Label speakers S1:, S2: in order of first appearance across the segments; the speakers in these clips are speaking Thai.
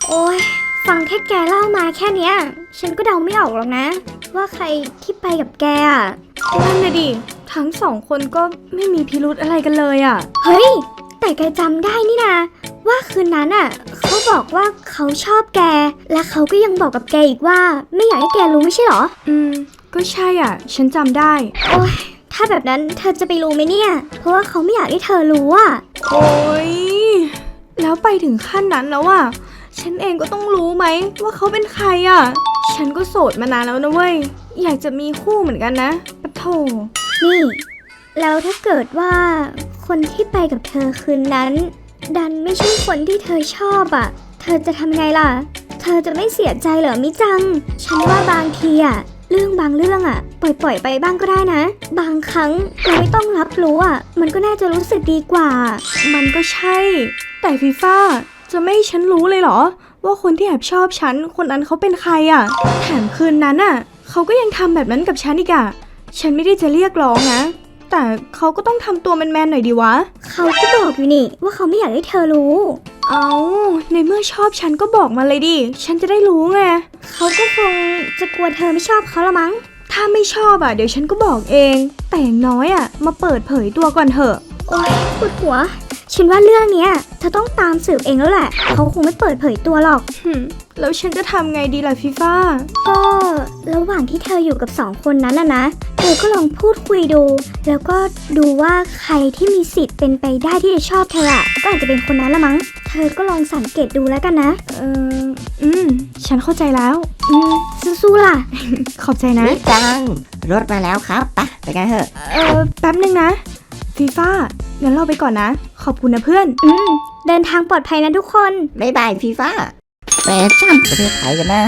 S1: โอ้ยฟังแค่แกเล่ามาแค่เนี้ยฉันก็เดาไม่ออกหรอกนะว่าใครที่ไปกับแกอ่ะ
S2: นั่นนะดิทั้งสองคนก็ไม่มีพิรุธอะไรกันเลยอ่ะ
S1: เฮ้ยแต่แกจำได้นี่นะว่าคืนนั้นอ่ะเขาบอกว่าเขาชอบแกและเขาก็ยังบอกกับแกอีกว่าไม่อยากให้แกรู้ไม่ใช่หรอ
S2: ก็ใช่อ่ะฉันจำได้
S1: โอ้ยถ้าแบบนั้นเธอจะไปรู้ไหมเนี่ยเพราะว่าเขาไม่อยากให้เธอรู้อ่ะ
S2: โอ้ยแล้วไปถึงขั้นนั้นแล้วอ่ะฉันเองก็ต้องรู้ไหมว่าเขาเป็นใครอ่ะฉันก็โสดมานานแล้วนะเว้ยอยากจะมีคู่เหมือนกันนะปะโถ
S1: นี่แล้วถ้าเกิดว่าคนที่ไปกับเธอคืนนั้นดันไม่ใช่คนที่เธอชอบอ่ะเธอจะทำไงล่ะเธอจะไม่เสียใจเหรอมิจังฉันว่าบางทีอ่ะเรื่องบางเรื่องอ่ะปล่อยไปบ้างก็ได้นะบางครั้งเราไม่ต้องรับรู้อ่ะมันก็น่าจะรู้สึกดีกว่า
S2: มันก็ใช่แต่ฟีฟ่าจะไม่ให้ฉันรู้เลยเหรอว่าคนที่แอบชอบฉันคนนั้นเขาเป็นใครอ่ะแถมคืนนั้นอ่ะเขาก็ยังทำแบบนั้นกับฉันอีกอ่ะฉันไม่ได้จะเรียกร้องนะแต่เขาก็ต้องทำตัวแมนๆหน่อยดีวะ
S1: เขาก็บอกอยู่นี่ว่าเขาไม่อยากให้เธอรู้
S2: เอาในเมื่อชอบฉันก็บอกมาเลยดิฉันจะได้รู้ไง
S1: เขาก็คงจะกลัวเธอไม่ชอบเขาละมั้ง
S2: ถ้าไม่ชอบอ่ะเดี๋ยวฉันก็บอกเองแต่อย่างน้อยอ่ะมาเปิดเผยตัวก่อนเถอะ
S1: โอ๊ยปวดหัวฉันว่าเรื่องเนี้ยเธอต้องตามสืบเองแล้วแหละเขาคงไม่เปิดเผยตัวหรอก
S2: แล้วฉันจะทำไงดีล่ะฟีฟ่า
S1: ก็ระหว่างที่เธออยู่กับ2 คนนั้นนะเธอก็ลองพูดคุยดูแล้วก็ดูว่าใครที่มีสิทธิ์เป็นไปได้ที่จะชอบเธออ่ะก็อาจจะเป็นคนนั้นละมั้งเธอก็ลองสังเกตดูแล้วกันนะ
S2: ฉันเข้าใจแล้ว
S1: สู้ๆล่ะ
S2: ขอบใจนะ
S3: นี่จังรถมาแล้วครับไปกันเถอะ
S2: แป๊บนึงนะฟีฟ่างั้นเราไปก่อนนะขอบคุณนะเพื่อน
S1: เดินทางปลอดภัยนะทุกคน
S3: บ๊ายบายฟีฟ่าแฟชั่นประเทศไทยกันนะ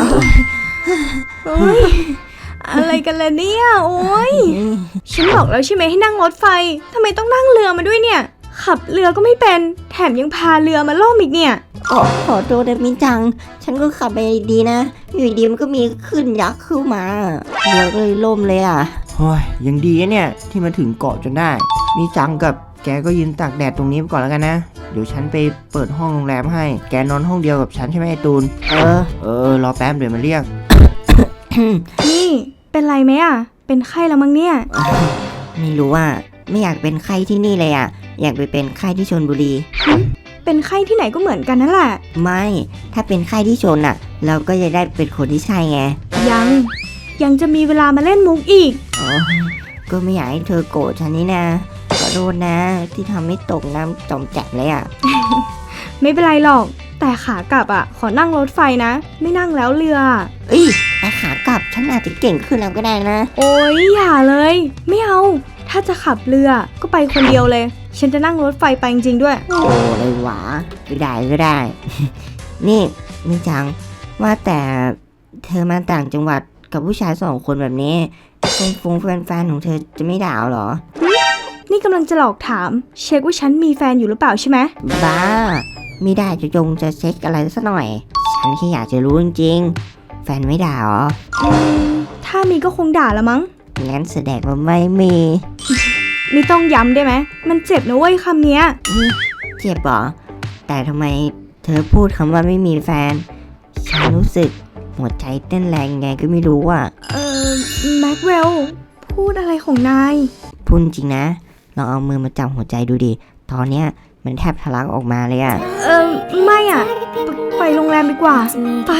S2: อะไรกันล่ะเนี่ยโอ้ยฉันบอกแล้วใช่ไหมให้นั่งรถไฟทำไมต้องนั่งเรือมาด้วยเนี่ยขับเรือก็ไม่เป็นแถมยังพาเรือมาล่มอีกเนี่ย
S3: ขอโทษนะมิจังฉันก็ขับไปดีนะอยู่ดีมันก็มีขึ้นยักษ์ขึ้นมาเรือก็เลยล่มเลยอ่ะ
S4: โอ้ยยังดีเนี่ยที่มาถึงเกาะจนได้มีจังกับแกก็ยืนตากแดดตรงนี้ไปก่อนแล้วกันนะเดี๋ยวฉันไปเปิดห้องโรงแรมให้แกนอนห้องเดียวกับฉันใช่ไหมไอตูนรอแป๊บเดี๋ยวมาเรียก
S2: นี่เป็นไรไหมอ่ะเป็นไข้แล้วมั้งเนี่ย
S3: ไม่รู้อ่ะไม่อยากเป็นไข้ที่นี่เลยอ่ะอยากไปเป็นไข้ที่ชลบุรี
S2: เป็นไข้ที่ไหนก็เหมือนกันนั่นแหละ
S3: ไม่ถ้าเป็นไข้ที่ชลอ่ะเราก็จะได้เป็นคนที่ใช่ไง
S2: ยังจะมีเวลามาเล่นมุกอีก
S3: ก็ไม่อยากให้เธอโกรธฉันนี่นะขอโทษนะที่ทำให้ตกน้ำจมแจกเลยอ่ะ
S2: ไม่เป็นไรหรอกแต่ขากลับอ่ะขอนั่งรถไฟนะไม่นั่งแล้วเรือ
S3: แต่ขากลับฉันอาจจะเก่งขึ้นแล้วก็ได้นะ
S2: โอ๊ยอย่าเลยไม่เอาถ้าจะขับเรือก็ไปคนเดียวเลยฉันจะนั่งรถไฟไปจริงๆด้วย
S3: โอ้เลยหวาก็ได้ นี่มิจังว่าแต่เธอมาต่างจังหวัดกับผู้ชาย2 คนแบบนี้แฟนของเธอจะไม่ด่าหรอ
S2: นี่กำลังจะหลอกถามเช็คว่าฉันมีแฟนอยู่หรือเปล่าใช่ไหม
S3: บ้าไม่ได้จะเช็คอะไรสักหน่อยฉันแค่อยากจะรู้จริงๆแฟนไม่ด่าหรอ
S2: ถ้ามีก็คงด่าละมั้ง
S3: งั้นแสดงว่าไม่มี
S2: ไม่ต้องย้ำได้ไหมมันเจ็บนะเว้ยคำเนี้ย
S3: เจ็บหรอแต่ทำไมเธอพูดคำว่าไม่มีแฟนฉันรู้สึกหัวใจเต้นแรงไงก็ไม่รู้อ่ะ
S2: แม็กเวลพูดอะไรของนาย
S3: พูดจริงนะลองเอามือมาจับหัวใจดูดิตอนเนี้ยมันแทบทะลักออกมาเลยอ่ะ
S2: ไม่อ่ะไปโรงแรมดีกว่าไป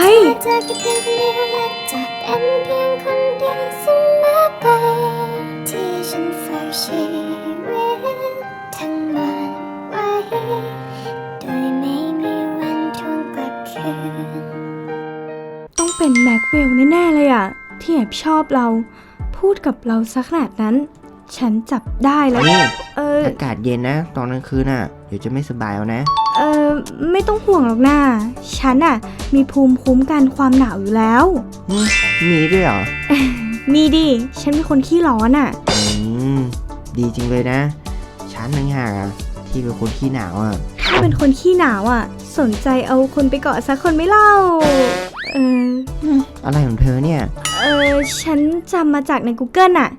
S2: ต้องเป็นแม็กเวลแน่ๆเลยอ่ะที่แอบชอบเราพูดกับเราสักขนาดนั้นฉันจับได้แล้ว
S4: นี่อากาศเย็นนะตอนกลางคืนน่ะเดี๋ยวจะไม่สบายเอานะ
S2: ไม่ต้องห่วงหรอกนะฉันอ่ะมีภูมิคุ้มกันความหนาวอยู่แล้ว
S4: มีด้วยเหรอ
S2: มีดิฉันเป็นคนขี้ร้อนอ่ะ
S4: ดีจริงเลยนะฉันต่างหากที่เป็นคนขี้หนาวอ่ะ
S2: ถ้าเป็นคนขี้หนาวอ่ะสนใจเอาคนไปเกาะสักคนไม่เล่า
S4: อะไรของเธอเนี่ย
S2: ฉันจำมาจากใน Google อ่ะ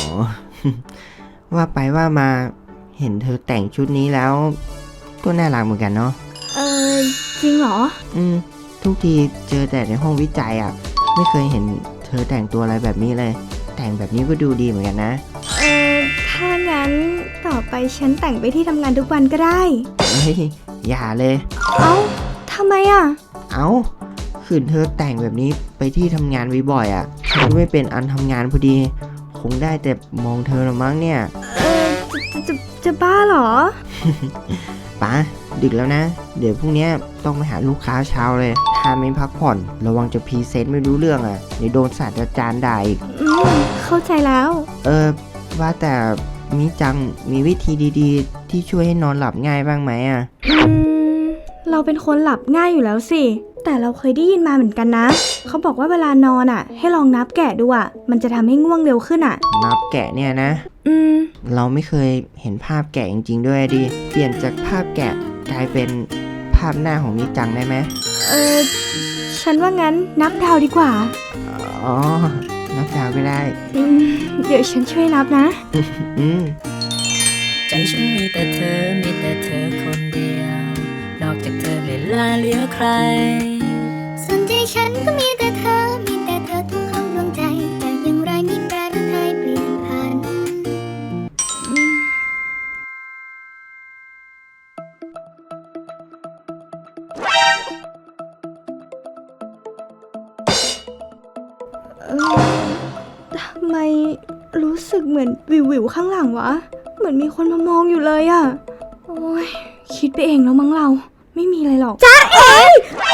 S4: ว่าไปว่ามาเห็นเธอแต่งชุดนี้แล้วก็น่ารักเหมือนกันเนาะ
S2: จริงเหรอ
S4: ทุกทีเจอแต่ในห้องวิจัยอ่ะ ไม่เคยเห็นเธอแต่งตัวอะไรแบบนี้เลย แต่งแบบนี้ก็ดูดีเหมือนกันนะ
S2: ถ้างั้นต่อไปฉันแต่งไปที่ทำงานทุกวันก็ได้
S4: เฮ้ยอย่าเลย
S2: เอ้าทำไมอ่ะ
S4: เอ้าขืนเธอแต่งแบบนี้ไปที่ทำงานบ่อยๆอ่ะฉันก็ไม่เป็นอันทำงานพอดี คงได้แต่มองเธอละมั้งเนี่ย
S2: จะบ้าเหรอ
S4: ป้าดึกแล้วนะ เดี๋ยวพรุ่งนี้ต้องไปหาลูกค้าเช้าเลย ถ้าไม่พักผ่อนระวังจะพรีเซนต์ไม่รู้เรื่องอ่ะเดี๋ยวโดนศาสตราจารย์ด่าอีก
S2: เข้าใจแล้ว
S4: ว่าแต่มิจังมีวิธีดีๆ ที่ช่วยให้นอนหลับง่ายบ้างไหมอ่ะ
S2: เราเป็นคนหลับง่ายอยู่แล้วสิ แต่เราเคยได้ยินมาเหมือนกันนะ เขาบอกว่าเวลานอนอ่ะ ให้ลองนับแกะดูอ่ะ มันจะทำให้ง่วงเร็วขึ้นอ่ะ
S4: นับแกะเนี่ยนะ เราไม่เคยเห็นภาพแกะจริงๆด้วยดิ เปลี่ยนจากภาพแกะกลายเป็นภาพหน้าของมิจังได้ไหม
S2: ฉันว่างั้นนับดาวดีกว่า
S4: อ๋อ นับดาวก็ได้
S2: เดี๋ยวฉันช่วยนับนะ
S4: อืม
S5: ใจฉันมีแต่เธอ มีแต่เธอคนเดียว นอกจากเธอไม่ลาเหลือใคร
S1: ส่วนใจฉันก็มีแต่เธอ มีแต่เธอทุกของดวงใจ แต่อย่างไรมีแปรหรือไทยเปลี่ยนผัน
S2: ทำไมรู้สึกเหมือนวิวๆข้างหลังวะ เหมือนมีคนมามองอยู่เลยอะโอ้ยคิดไปเองแล้วมั้งเรา ไม่มีอะไรหรอกจ้าเอ๋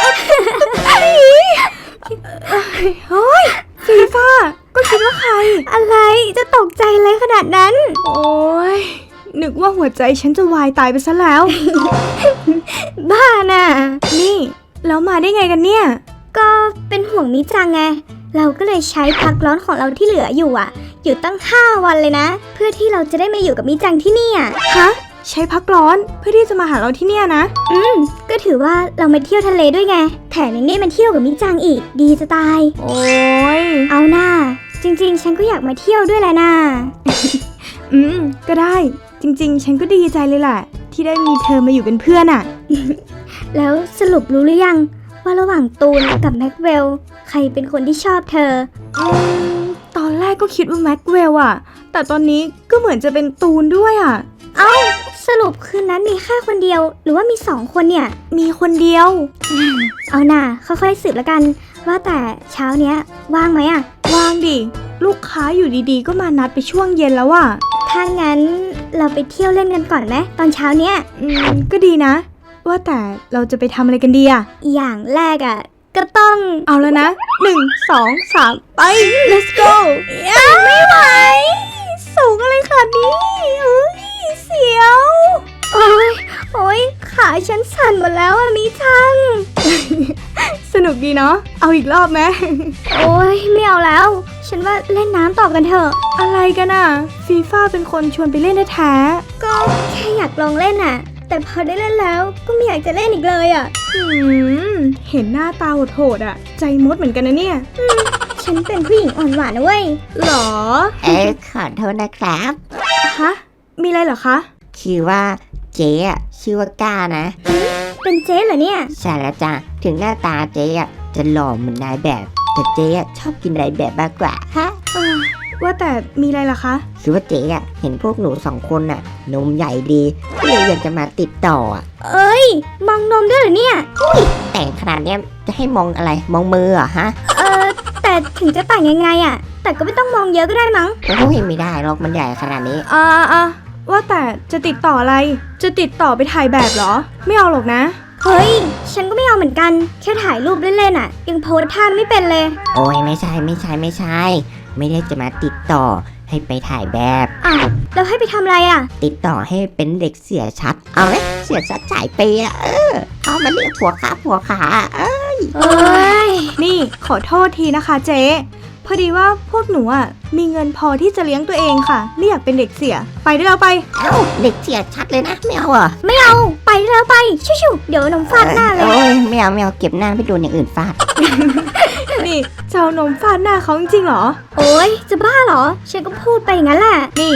S2: เฮ้ยฟีฟ่าก็คิดว่าใคร
S1: อะไรจะตกใจอะไรขนาดนั้น
S2: โอ้ยนึกว่าหัวใจฉันจะวายตายไปซะแล้ว
S1: บ้าน่ะ
S2: นี่แล้วมาได้ไงกันเนี่ย
S1: ก็เป็นห่วงมิจังไง เราก็เลยใช้พักร้อนของเราที่เหลืออยู่อยู่ตั้ง 5 วันเลยนะ เพื่อที่เราจะได้มาอยู่กับมิจังที่นี่อ่ะ
S2: ฮะ ใช้พักร้อนเพื่อที่จะมาหาเราที่เนี่ยนะ
S1: ก็ถือว่าเรามาเที่ยวทะเลด้วยไง แถมยังได้มาเที่ยวกับมิจังอีก ดีจะตาย
S2: โอ้ย
S1: เอาหน้า จริงๆ ฉันก็อยากมาเที่ยวด้วยแหละนะ
S2: ก็ได้ จริงๆ ฉันก็ดีใจเลยแหละ ที่ได้มีเธอมาอยู่เป็นเพื่อนอะ
S1: แล้วสรุปรู้หรือยัง ว่าระหว่างตูนกับแม็กเวลใครเป็นคนที่ชอบเธอ
S2: ตอนแรกก็คิดว่าแม็กเวลอะแต่ตอนนี้ก็เหมือนจะเป็นตูนด้วยอะ
S1: สรุปคืนนั้นมีแค่คนเดียว หรือว่ามี 2 คนเนี่ย
S2: มีคนเดียว
S1: เอาหน่าค่อยๆสืบแล้วกัน ว่าแต่เช้าเนี้ยว่างไหมอะ
S2: ว่างดิ ลูกค้าอยู่ดีๆ ก็มานัดไปช่วงเย็นแล้วอะ
S1: ถ้างั้นเราไปเที่ยวเล่นกันก่อนไหมตอนเช้าเนี้ย
S2: ก็ดีนะ ว่าแต่เราจะไปทำอะไรกันดีอะ
S1: อย่างแรกก็ต้อง
S2: เอาแล้วนะ 1 2 3 ไป let's go
S1: ไม่ไหว
S2: สูงอะไรขนาดนี้เฮ้ยเสียว
S1: โอ้ยขาฉันสั่นหมดแล้วมิจัง
S2: สนุกดีเนาะ เอาอีกรอบไหม
S1: โอ้ยไม่เอาแล้ว ฉันว่าเล่นน้ำต่อกันเถอะ
S2: อะไรกันอะฟีฟ่าเป็นคนชวนไปเล่นแท้
S1: ก็แค่อยากลองเล่นแต่พอได้เล่นแล้วก็ไม่อยากจะเล่นอีกเลย
S2: เห็นหน้าตาโหดๆอะใจมดเหมือนกันนะเนี่ย
S1: ฉันเป็นผู้หญิงอ่อนหวานนะเว้ย
S2: หรอ
S3: ขอโทษนะครับ
S2: ฮะ มีอะไรเหรอคะ
S3: คือว่าเจ๊อะชื่อว่าก้านะ
S1: เป็นเจ๊เหรอเนี่ย
S3: ใช่แล้วจ้ะถึงหน้าตาเจ๊อะจะหล่อเหมือนนายแบบ แต่เจ๊อะชอบกินนายแบบมากกว่าฮะ
S2: ว่าแต่มีอะไรล่ะคะ
S3: คือว่าเจ๊อะเห็นพวกหนู2 คนอะนมใหญ่ดีก็เลยอยากจะมาติดต่ออะ
S1: เอ้ย มองนมด้วยเหรอเนี่ย
S3: แต่งขนาดเนี้ยจะให้มองอะไรมองมือเหรอฮะ
S1: แต่ถึงจะแต่งยังไงแต่ก็ไม่ต้องมองเยอะก็ได้มั้ง
S3: โอ้ยไม่ได้หรอกมันใหญ่ขนาดนี้
S2: ว่าแต่จะติดต่ออะไร จะติดต่อไปถ่ายแบบเหรอ ไม่เอาหรอกนะ
S1: เฮ้ย ฉันก็ไม่เอาเหมือนกัน แค่ถ่ายรูปเล่นๆยังโพสท่าไม่เป็นเลย
S3: โอ้ยไม่ใช่ ไม่ได้จะมาติดต่อให้ไปถ่ายแบบ
S1: แล้วให้ไปทำอะไร
S3: ติดต่อให้เป็นเด็กเสียชัด เอาไหมเสียชัดจ่ายเปย์อะเอามาเรียกผัวขา
S1: เอ้ย
S2: นี่ขอโทษทีนะคะเจ๊พอดีว่าพวกหนูอ่ะมีเงินพอที่จะเลี้ยงตัวเองค่ะไม่อยากเป็นเด็กเสีย ไปได้แล้วไป
S3: เอ้าเด็กเสียชัดเลยนะไม่เอาเหรอ
S1: ไม่เอา ไปแล้วไป ชิวๆเดี๋ยวนมฟาดหน้าเลย
S3: โอ้ยไม่เอาเก็บหน้าไปโดนอย่างอื่นฟาด
S2: นี่จะเอานมฟาดหน้าเขาจริงๆเหรอ
S1: โอ้ยจะบ้าเหรอ ฉันก็พูดไปอย่างนั้นแหละ
S2: นี่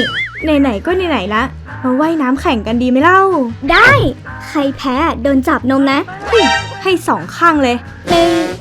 S2: ไหนๆก็ไหนๆละมาว่ายน้ำแข่งกันดีไหมเล่า
S1: ได้ ใครแพ้โดนจับนมนะ
S2: ให้2 ข้างเลย
S1: 1